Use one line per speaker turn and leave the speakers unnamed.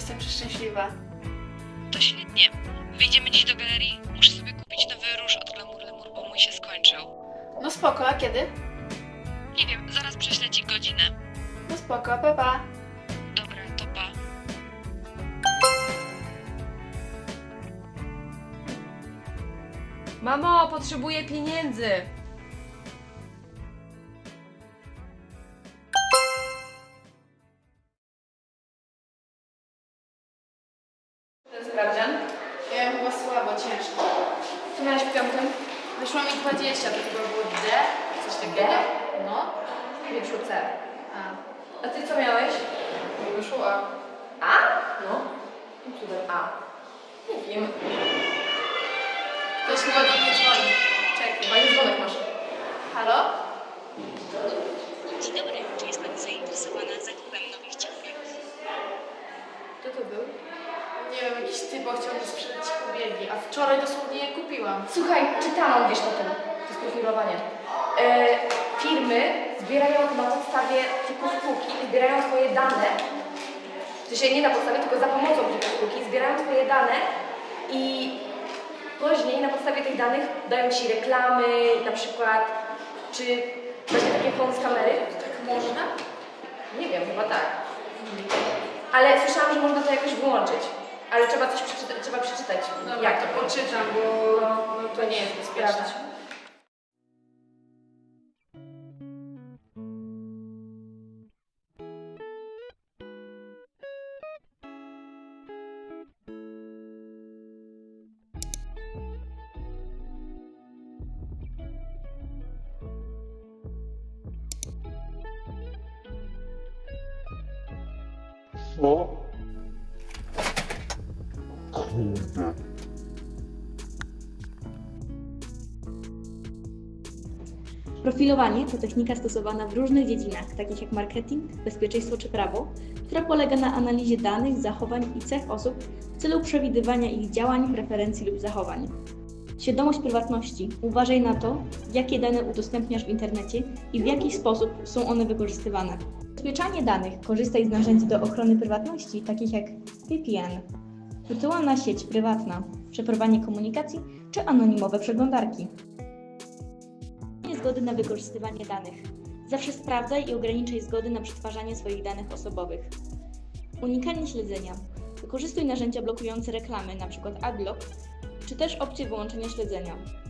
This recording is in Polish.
jestem przeszczęśliwa.
To świetnie. Wyjdziemy dziś do galerii. Muszę sobie kupić nowy róż od Glamour Lemur, bo mój się skończył.
No spoko, a kiedy?
Nie wiem, zaraz prześlę ci godzinę.
No spoko, pa pa.
Dobra, to pa.
Mamo, potrzebuję pieniędzy!
Ten sprawdzian? Ja mam chyba słabo, ciężko. Co miałaś w piątym? Wyszło mi 20, to chyba było D? Coś takiego? No.
Nie wyszło C.
A.
A ty co miałeś?
Mi wyszło A.
A? No. Cudem A. Nie wiem.
Ktoś chyba do mnie dzwoni. Czekaj.
Fajny dzwonek masz.
Halo?
Dzień dobry, czy jest pani zainteresowana zakupem nowych ciuchów?
Kto to był? Nie wiem, jakiś typ chciał mi sprzedać ubiegi, a wczoraj dosłownie je kupiłam.
Słuchaj, czytałam gdzieś o tym. To jest profilowanie. Firmy zbierają na podstawie pliku spółki, zbierają twoje dane. To się nie na podstawie, tylko za pomocą pliku spółki. Zbierają twoje dane i później na podstawie tych danych dają ci reklamy, na przykład, czy właśnie takie phone z kamery.
Tak można?
Nie wiem, chyba tak. Ale słyszałam, że można to jakoś wyłączyć. Ale trzeba coś przeczytać, trzeba przeczytać.
Dobra,
jak
to poczytam, bo no, to nie jest bezpieczne.
Sprawdź.
Co? Kurde.
Profilowanie to technika stosowana w różnych dziedzinach, takich jak marketing, bezpieczeństwo czy prawo, która polega na analizie danych, zachowań i cech osób w celu przewidywania ich działań, preferencji lub zachowań. Świadomość prywatności. Uważaj na to, jakie dane udostępniasz w internecie i w jaki sposób są one wykorzystywane. Zabezpieczanie danych. Korzystaj z narzędzi do ochrony prywatności, takich jak VPN, wirtualna sieć prywatna, przeprowadzanie komunikacji czy anonimowe przeglądarki. Nie zgody na wykorzystywanie danych. Zawsze sprawdzaj i ograniczaj zgody na przetwarzanie swoich danych osobowych. Unikanie śledzenia. Wykorzystuj narzędzia blokujące reklamy, np. AdBlock, czy też opcję wyłączenia śledzenia.